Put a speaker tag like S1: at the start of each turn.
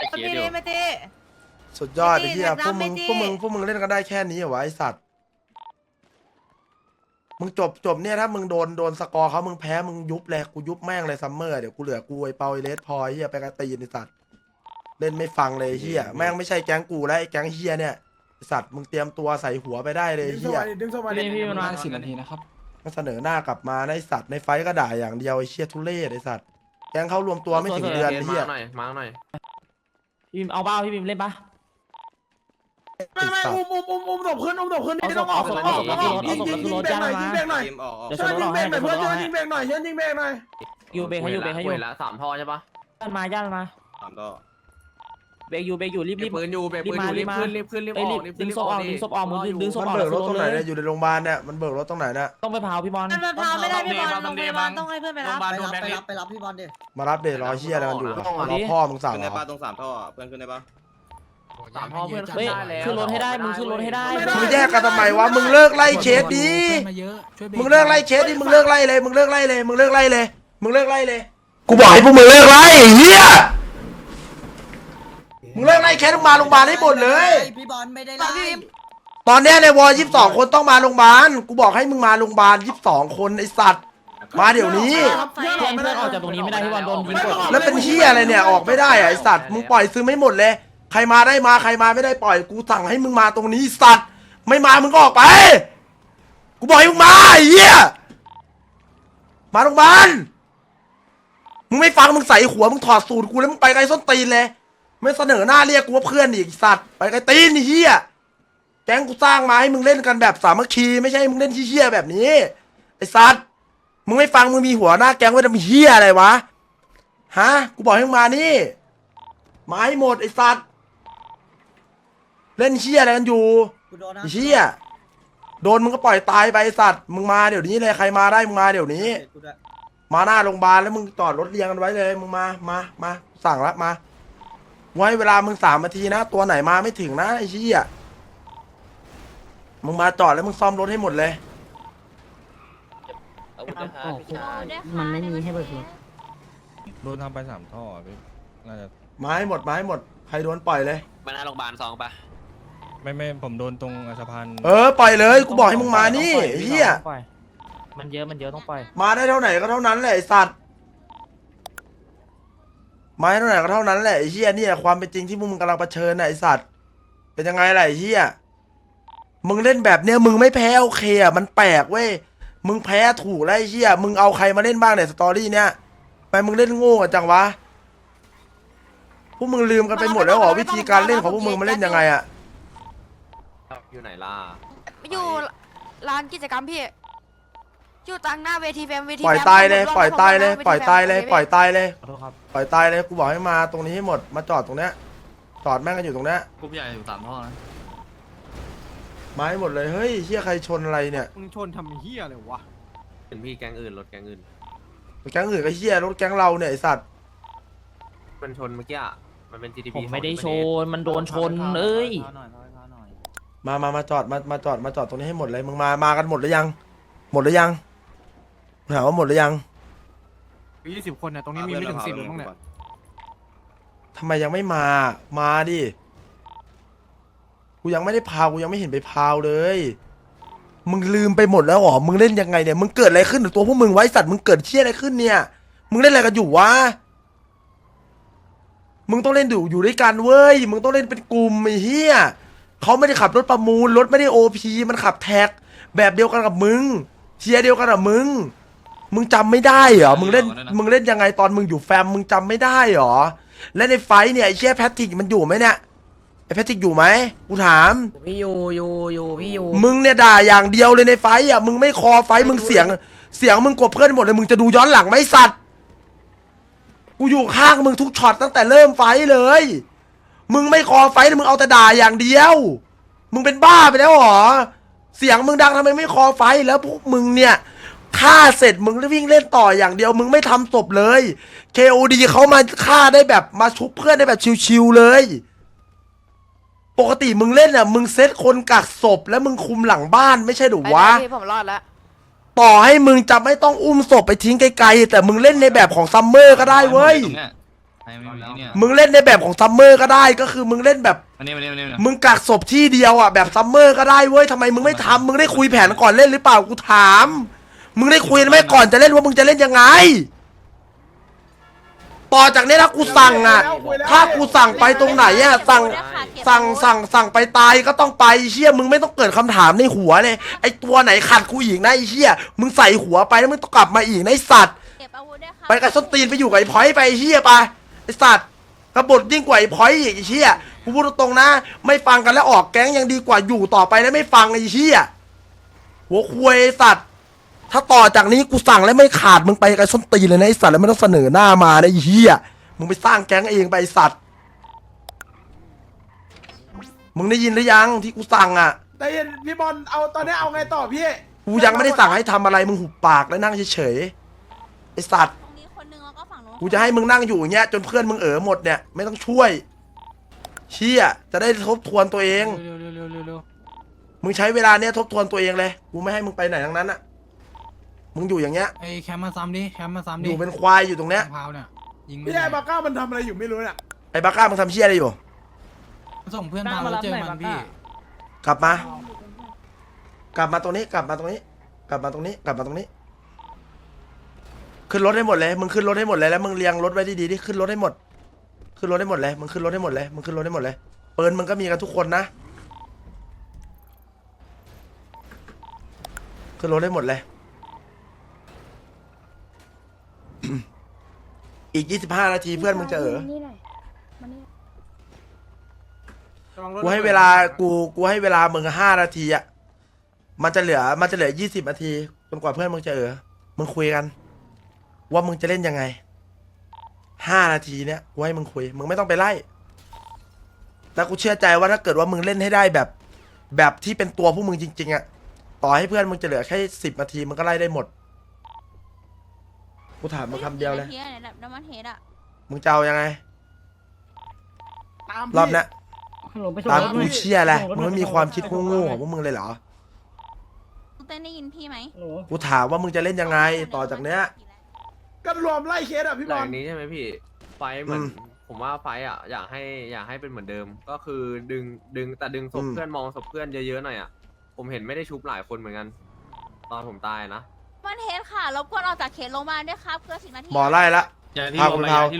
S1: มาตีเลยมาตี
S2: สุดยอดไอ้เหี้ย
S1: ไม่
S2: พว
S1: ตี
S2: กมึงเล่นกันได้แค่นี้เหรอวะไอสัตว์มึงจบเนี่ยถ้ามึงโดนสกอร์เขามึงแพ้มึงยุบเลยกูยุบแม่งเลยซัมเมอร์เดี๋ยวกูเหลือกูไอเปาไอเลสพอไอ้เหี้ยไปกระตีนไอสัตว์เล่นไม่ฟังเลยไอ้เหี้ยแม่งไม่ใช่แก๊งกูแล้วไอแก๊งเหี้ยเนี่ยไอ้สัตว์มึงเตรียมตัวใส่หัวไปได้เลยไอ้เหี้ย
S3: พี่ประมาณ10 นาทีนะครับ
S2: มันเสนอหน้ากลับมาในสัตว์ในไฟท์ก็ด่าอย่างเดียวไอเชี่ยทุเรศไอสัตว์แก๊งเขารวมตัวไม่ถึงเดือนไอ้เหี้ย
S4: มาหน่อยมาหน่อย
S3: พี่เอาเบ้าพี่บิมเล่นปะ
S5: ไม่อุ้มศพขึ้นนี่ต้องออกยิงเบรกหน่อยยิงเบรกหน่อย
S3: เดี๋ยวช
S5: ช่วย
S3: นร
S5: ยิ
S3: ถ
S5: งเบร
S3: ให้
S5: กหน่อย
S3: เดี๋ยวช
S5: เพื่อน
S3: นรถ
S5: ช่วย
S3: ให้
S5: ยิงเบรกหน่อยยิงเบรกหน่อย
S3: อยู่เบรกให้อยู่เบรกให้อยู่
S4: ละ3 ท่อใช่ปะ
S3: ย่านมาเบรกอยู่รีบ
S4: ปืนอยู่เบรกปืนอยู่รีบขึ้นรีบ
S3: เอ้ย
S4: อ
S3: รี
S4: อบ ก
S3: ดึงศพออกดึงศพออกมึงดึงศพ
S2: มัน
S3: ออก
S2: เบิกรถตรงไหน
S3: เล
S2: เนี่ย
S3: ย
S2: อยู่ในโรงพยาบาลเนี่ยมันเบิกรถตรงไหนเนี่ย
S3: ต้องไปเผาพี่บอล
S1: มันพาไม่ได้พี่บอลโรงพยาบาลต้องให้เพื่อนไปรับ
S6: ไปรับพี่บอลดิ
S2: มารับเดชรอเชี่ยอะไรกันอยู่อะรอพ่อมึงสั่ง
S7: ขึ้น
S2: เหร
S7: ได้
S2: อ
S7: ปะตรง3 ท่อเพื่อนขึ้นได้ปะ
S4: 3 ท่อเพื่อน
S3: เฮ้ยขึ้นรถให้ได้มึงขึ้นรถให้ได้
S2: มึงแยกกันทำไมวะมึงเลิกไล่เคสดีมึงเลิกไล่เคสดิมึงเลิกไล่เลยมึงเลิกไล่เลยมึงเลิกไล่เลยมึงเลิกไล่เลยกูบอกให้พวกมึงเลิกไล่เฮียมึงเลิกไล่เคสมึงมาโรงพยาบาลให้หมดเลย
S6: พี่บอลไม่ได้ไล่
S2: ตอนเนี้ยในวอ22 คนต้องมาโรงพยาบาลกูบอกให้มึงมาโรงพยาบาล22 คนไอสัตว์มาเดี๋ยวนี้
S3: เพื่อนออกจากตรงนี้ไม่ได้พี่บอลโดนยิงกด
S2: แล้วเป็นเฮียอะไรเนี่ยออกไม่ได้อะไอสัตว์มึงปล่อยซื้อไม่หมดเลยใครมาได้มาใครมาไม่ได้ปล่อยกูสั่งให้มึงมาตรงนี้สัตว์ไม่มามึงก็ออกไปกูบอกให้มึงมาไอ้เฮียมาโรงพยาบาลมึงไม่ฟังมึงใส่หัวมึงถอดสูตรกูแล้วมึงไปไกลส้นตีนเลยไม่เสนอหน้าเรียกกูว่าเพื่อนอีกสัตว์ไปไกลตีนไอ้เฮียแก๊งกูสร้างมาให้มึงเล่นกันแบบสามัคคีไม่ใช่ให้มึงเล่นเฮี้ยๆแบบนี้ไอ้สัตว์มึงไม่ฟังมึงมีหัวหน้าแก๊งไว้ทำเฮี้ยอะไรวะฮะกูบอกให้มึงมานี่มาให้หมดไอ้สัตว์เล่นเฮี้ยอะไรกันอยู่
S6: กูโดนนะ
S2: ไอ้เฮี้ยโดนมึงก็ปล่อยตายไปไอ้สัตว์มึงมาเดี๋ยวนี้เลยใครมาได้มึงมาเดี๋ยวนี้
S6: กูด้วย
S2: มาหน้าโรงพยาบาลแล้วมึงจอดรถเรียงกันไว้เลยมึงมาสั่งละมาไว้เวลามึง3 นาทีนะตัวไหนมาไม่ถึงนะไอ้เชี่ยมึงมาจอดแล้วมึงซ่อมรถให้หมดเลย
S8: มันไม่มีให้เบิกรถ
S7: โดนทำไป3 ท่อพี่น่าจะ
S2: มาให้หมดใครโดนปล่อยเลย
S4: มาหน้าโรงพยาบาล2ปะ
S7: ไม่ผมโดนตรงสะพาน
S2: ปล่อยเลยกูบอกให้มึงมานี่ไอ้เฮีย
S3: มันเยอะต้องปล่อย
S2: มาได้เท่าไหนก็เท่านั้นแหละไอ้สัตว์มาได้เท่าไหนก็เท่านั้นแหละไอ้เฮียเนี่ยความเป็นจริงที่มึงกำลังเผชิญน่ะไอ้สัตว์เป็นยังไงล่ะไอ้เฮียมึงเล่นแบบเนี้ยมึงไม่แพ้โอเคอ่ะมันแปลกเว้ยมึงแพ้ถูกแล้วไอ้เฮียมึงเอาใครมาเล่นบ้างเนี่ยสตอรี่เนี้ยไปมึงเล่นโง่กันจังวะพวกมึงลืมกันไปหมดแล้วเหรอวิธีการเล่นของพวกมึงมันเล่นยังไงอ่ะ
S4: อยู่ไหนล่ะ
S1: อยู่ร้านกิจกรรมพี่อยู่ตั้งหน้าเวทีแฟมเวที
S2: ปล่อยตายเลยปล่อยตายเลยปล่อยตายเลยปล่อยตายเลย
S3: ขอโทษครับ
S2: ปล่อยตายเลยกูบอกให้มาตรงนี้ให้หมดมาจอดตรงเนี้ยจอดแม่งกันอยู่ตรงเนี้ย
S3: กลุ่มใหญ่อยู่3 ท่อนะ
S2: มาให้หมดเลยเฮ้ยเฮียใครชนอะไรเนี่ย
S5: มึงชนทำเหี้ยอะไรวะ
S4: เป็นพี่แก๊งอื่นรถแก๊งอื่น
S2: แก๊งอื่นก็เฮียรถแก๊งเราเนี่ยไอสัตว์
S4: มันชนเมื่อกี้มันเป็น GTP
S3: ผมไม่ได้ชนมันโดนชนเอ้ย
S2: มาจอดมาจอดตรงนี้ให้หมดเลยมึงมากันหมดหรือยังหมดหรือยังถามว่าหมดหรือยัง
S5: 20 คนเนี่ยตรงนี้มีไม่ถึง10หรือมั้งเนี่ย
S2: ทำไมยังไม่มาดิกูยังไม่ได้พาวกูยังไม่เห็นไปพาวเลยมึงลืมไปหมดแล้วเหรอมึงเล่นยังไงเนี่ยมึงเกิดอะไรขึ้นกับตัวพวกมึงไว้สัตว์มึงเกิดเชี่ยอะไรขึ้นเนี่ยมึงเล่นอะไรกันอยู่วะมึงต้องเล่นอยู่ด้วยกันเว้ยมึงต้องเล่นเป็นกลุ่มไอ้เหี้ยเขาไม่ได้ขับรถประมูลรถไม่ได้โอพีมันขับแท็กแบบเดียวกันกับมึงเชียร์เดียวกันกับมึงจำไม่ได้เหรอมึงเล่นยังไงตอนมึงอยู่แฟมมึงจำไม่ได้เหรอและในไฟท์เนี่ยไอ้เชี่ยแพทริกมันอยู่ไหมเนี่ยไอ้แพทริกอยู่ไหมกูถาม
S6: พี่อยู่พี่อยู่
S2: มึงเนี่ยด่าอย่างเดียวเลยในไฟท์อ่ะมึงไม่คอไฟท์มึงเสียงมึงกบเพื่อนหมดเลยมึงจะดูย้อนหลังไหมสัตว์กูอยู่ข้างมึงทุกช็อตตั้งแต่เริ่มไฟท์เลยมึงไม่คอไฟท์มึงเอาแต่ด่าอย่างเดียวมึงเป็นบ้าไปแล้วเหรอเสียงมึงดังทำไมไม่คอไฟท์แล้วพวกมึงเนี่ยฆ่าเสร็จมึงวิ่งเล่นต่ออย่างเดียวมึงไม่ทำศพเลย KOD เขามาฆ่าได้แบบมาชุบเพื่อนได้แบบชิวๆเลยปกติมึงเล่นอ่ะมึงเซตคนกักศพแล้วมึงคุมหลังบ้านไม่ใช่หรือวะ
S1: พี่ผมรอดแล้ว
S2: ต่อให้มึงจะไม่ต้องอุ้มศพไปทิ้งไกลๆแต่มึงเล่นในแบบของซัมเมอร์ก็ได้เว้ย
S7: ไม่มีเนี่ย
S2: มึงเล่นในแบบของซัมเมอร์ก็ได้ก็คือมึงเล่นแบบ
S7: อันนี้
S2: มึงกักศพที่เดียวอ่ะแบบซัมเมอร์ก็ได้เว้ยทำไมมึงไม่ทำมึงได้คุยแผนก่อนเล่นหรือเปล่ากูถาม มึงได้คุยไหมก่อนจะเล่นว่ามึงจะเล่นยังไงต่อจากนี้ถ้ากูสั่งอ่ะถ้ากูสั่งไปตรงไหนอ่ะสั่งไปตายก็ต้องไปเชี่ยมึงไม่ต้องเกิดคำถามในหัวเลยไอตัวไหนขัดกูอีกนะไอเชี่ยมึงใส่หัวไปแล้วมึงต้องกลับมาอีกนะไอสัตว์
S1: เก็บอาวุธด้วยค่ะ
S2: ไปกับส้นตีนไปอยู่กับไอ้พอยต์ไปไอ้เชี่ยไปไอสัตว์กบฏยิ่งกว่าไอ้พอยต์อีกไอ้เชี่ยกูพูดตรงๆนะไม่ฟังกันแล้วออกแก๊งยังดีกว่าอยู่ต่อไปแล้วไม่ฟังไอ้เชี่ยหัวควยไอ้สัตว์ถ้าต่อจากนี้กูสั่งแล้วไม่ขาดมึงไปกับส้นตีนเลยนะไอ้สัตว์แล้วไม่ต้องเสนอหน้ามานะไอ้เชี่ยมึงไปสร้างแก๊งเองไปไอ้สัตว์มึงได้ยินหรือยังที่กูสั่งอ่ะ
S5: แต่เย็นพี่บอลเอาตอนนี้เอาไงต่อพี่
S2: กูยังไม่ได้สั่งให้ทำอะไรมึงหุบปากแล้วนั่งเฉยๆไอ้สัตว์
S1: ตรงนี้คนนึงแล้วก็ฝั่งนู้น
S2: กูจะให้มึงนั่งอยู่อย่างเงี้ยจนเพื่อนมึงหมดเนี่ยไม่ต้องช่วยเชี่ยจะได้ทบทวนตัวเอง
S7: เร็ว
S2: มึงใช้เวลาเนี้ยทบทวนตัวเองเลยกูไม่ให้มึงไปไหนทั้งนั้นอ่ะมึงอยู่อย่างเงี้ย
S7: ไอ้แคมมาซ้ำดิแคมมาซ้ำ
S2: อ
S7: ดิ
S2: ยู่เป็นควายอยู่ตรงเนี้ย
S7: พาวเนี่ยยิง
S5: พี่ไอ้บาก้ามันทำอะไรอยู่ไม่รู้เนี่ย
S2: ไอ้บ้าก้ามึงทำเชี่ยอะไรอยู่
S7: ส่งเพื่อนพาวแล้วเจอมันพี่
S2: กลับมา กลับมาตรงนี้กลับมาตรงนี้ กลับมาตรงนี้กลับมาตรงนี้ ขึ้นรถให้หมดเลยมึงขึ้นรถให้หมดเลยแล้วมึงเรียงรถไว้ดีๆดิขึ้นรถให้หมด ขึ้นรถให้หมดเลยมึงขึ้นรถให้หมดเลยมึงขึ้นรถให้หมดเลยปืนมึงก็มีกันทุกคนนะขึ้นรถให้หมดเลย อีก25 นาทีเพื่อนมึงจะกูให้เวลากูให้เวลามึง5 นาทีอ่ะมันจะเหลือ20 นาทีจนกว่าเพื่อนมึงจะมึงคุยกัน ว่ามึงจะเล่นยังไง5 นาทีเนี้ยกูให้มึงคุยมึงไม่ต้องไปไล่แล้วกูเชื่อใจว่าถ้าเกิดว่ามึงเล่นให้ได้แบบที่เป็นตัวพวกมึงจริงๆอ่ะต่อให้เพื่อนมึงจะเหลือแค่10 นาทีมึงก็ไล่ได้หมดกูถามมึงคำเดียวเลย
S1: น้ำมันเฮดอะ
S2: มึงจะเอายังไง
S5: ตาม
S2: รอบเนี้ย
S8: ฮัลโหลไปส่ง
S2: ตาม
S8: รถห
S2: กู
S8: น่อย
S2: เชี่ยแหละ
S8: ส่งรถ
S2: มึง
S8: หน่อย
S2: ไม่มีความคิดโง่ๆของพวกมึงเลยเหรอ
S1: เต้นได้ยินพี่ไหม
S8: ฮัลโหล
S2: กูถามว่ามึงจะเล่นยังไงต่อจากเนี้ย
S5: ก็รวมไล่เคสอ่ะพี่
S4: ห
S5: บ
S4: ลั
S5: อง ล
S4: จากนี้ใช่ไหมพี่ไฟท์เหมือน
S2: อืม
S4: ผมว่าไฟท์อ่ะอยากให้เป็นเหมือนเดิม ก็คือดึงศพเพื่อนมองศพเพื่อนเยอะๆหน่อยอ่ะผมเห็นไม่ได้ชุบหลายคนเหมือนกัน ตอนผมตายนะ
S1: มันเฮดค่ะรบกวนออกจากเขตโรงพยาบาลด้วยครับเพื่อ10 นาที
S2: หมอไล่ละ
S7: อย่าที่
S2: พา
S7: ล
S2: คุ
S7: ม
S2: ณ
S7: นะ
S2: พา
S7: อย่าที่